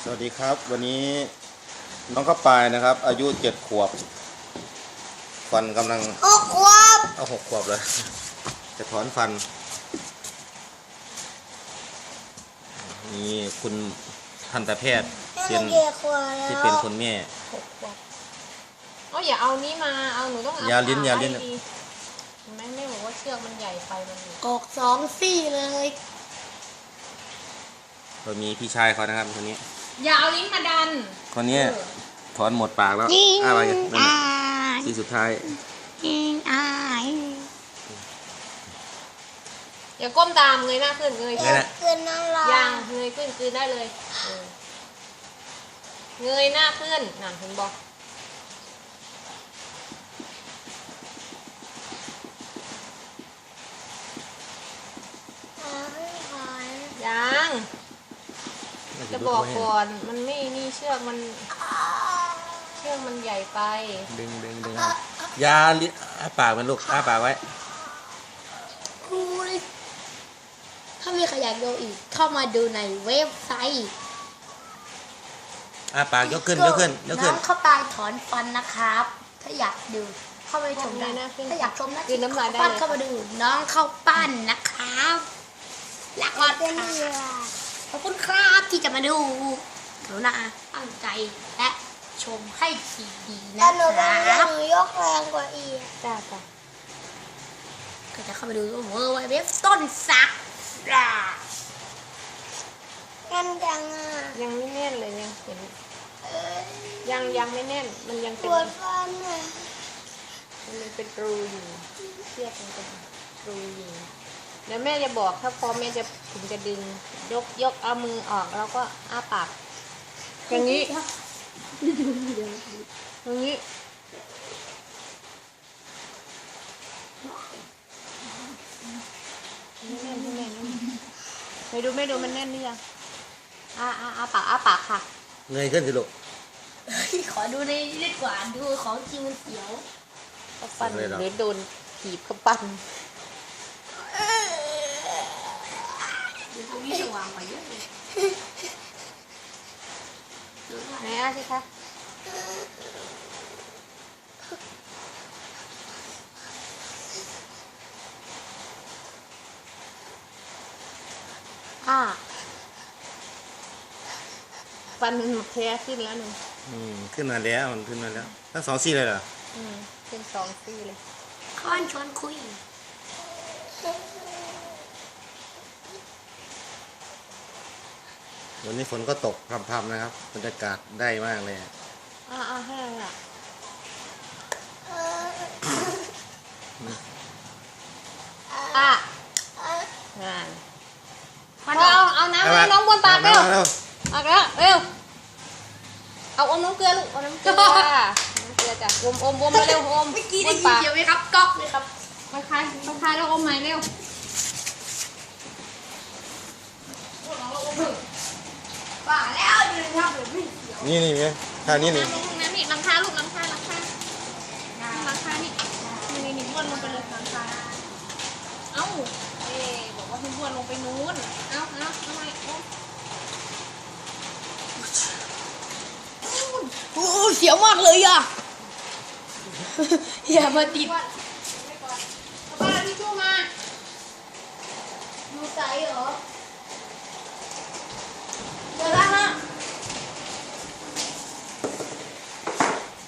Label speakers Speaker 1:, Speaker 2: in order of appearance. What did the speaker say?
Speaker 1: สวัสดีครับวันนี้น้องข้าวปลายนะครับอายุ7 ขวบฟันกำลัง
Speaker 2: 6 ขวบ
Speaker 1: เอา6 ขวบเลยจะถอนฟันนี่คุณทันตแพทย์เป็นที่เป็นคุณแม่
Speaker 3: อย่าเอานี้มาเอาหนูต้องเอา
Speaker 1: ยาลิ้น
Speaker 3: เห็นไหมแม่บอกว่าเชือกมันใหญ่ไปมัน
Speaker 2: ออก2 ซี่เลย
Speaker 1: เรามีพี่ชายเขานะครับคนนี้
Speaker 3: อย่าเอาลิ้นมาดัน
Speaker 1: คนนี้ถอนหมดปากแล้วอะไรกันที่สุดท้าย
Speaker 3: อย่าก้มตามเงยหน้าขึ้นเงย
Speaker 2: ขึ้นนั่งรอ
Speaker 3: ยังเงยขึ้นคืนได้เลยเงยหน้าขึ้นนั่นเห็นบอกยังจะบอกก่อนมันไม่นี่เชือกมันใหญ่ไป
Speaker 1: ดึงยาลิ้นอ้าปากมันลูกอ้าปากไว้
Speaker 2: ถ้ามีใครอยากดูอีกเข้ามาดูในเว็บไซต์
Speaker 1: อ้าปากยกขึ้น
Speaker 2: น้องเข้าไปถอนฟันนะครับถ้าอยากดูเข้าไปชมได้นะถ้าอยากชมนะ
Speaker 3: คือน้ำลายได้
Speaker 2: เข้ามาดูน้องเข้าปั้นนะครับแล้วก็ขอบคุณครับที่จะมาดูหนูนะตั้งใจและชมให้ดีๆนะครับหนูยกแรงกว่าอีก
Speaker 3: จ้า
Speaker 2: ก็จะเข้าไปดูเว็บต้นสักกันจัง
Speaker 3: ยังไม่แน่นเลยยังเห็นยังไม่แน่นมันยังเป็น
Speaker 2: ฟัน
Speaker 3: มันเป็นรูอยู่เชือกมันเป็นรูอยู่เดี๋ยวแม่จะบอกถ้าพอแม่จะถึงจะดึงยกเอามือออกแล้วก็อ้าปากอย่างนี้ไม่แน่นไม่ดูมันแน่นหรือยังอ้าปากค่ะ
Speaker 1: เงยขึ้นสิลูก
Speaker 2: ขอดูในดีกว่าดูของจริงมันเสียว
Speaker 3: เขาปั้นหรือโดนถีบเขาปั้น
Speaker 2: ดูตรงนี้สว่างกว่าเยอะเลย
Speaker 3: ไหนสิคะฟันมันแท้ขึ้นแล้วหนึ่ง
Speaker 1: ขึ้นมาแล้วมันขึ้นมาแล้วทั้ง2 ซี่เลยเหรอ
Speaker 3: ขึ้น2 ซี่เลย
Speaker 2: ค้อนชวนคุย
Speaker 1: วันนี้ฝนก็ตกพรำๆนะครับบรรยากาศได้มากเลย
Speaker 3: ให้อ่ะเอาน้ำให้น้องบนปากเร็วเอาแล้วเร็วเอาน้ำเกลือลูกเอาน้ำเกลือจ้ะอมเร็วอม
Speaker 2: เมื่อกี้ได้ยินเสียงไหมครับก๊อกเลยครับ
Speaker 3: คลายแล้วอมใหม่เร็ว
Speaker 2: ป่าแล้วดูนะครับ
Speaker 1: นี่ไงท่านี้นี่
Speaker 3: หลังคาลูกหลังคานี่บ้วนลงไปเลยหลังคาเอ้าบอกว่าให้บ้วนลงไปนู้นเอาทำไม
Speaker 2: โอ้เสียวมากเลยอ่ะอย่ามาติด
Speaker 3: ป้าที่ชู้มา
Speaker 2: ดูใจเหรอ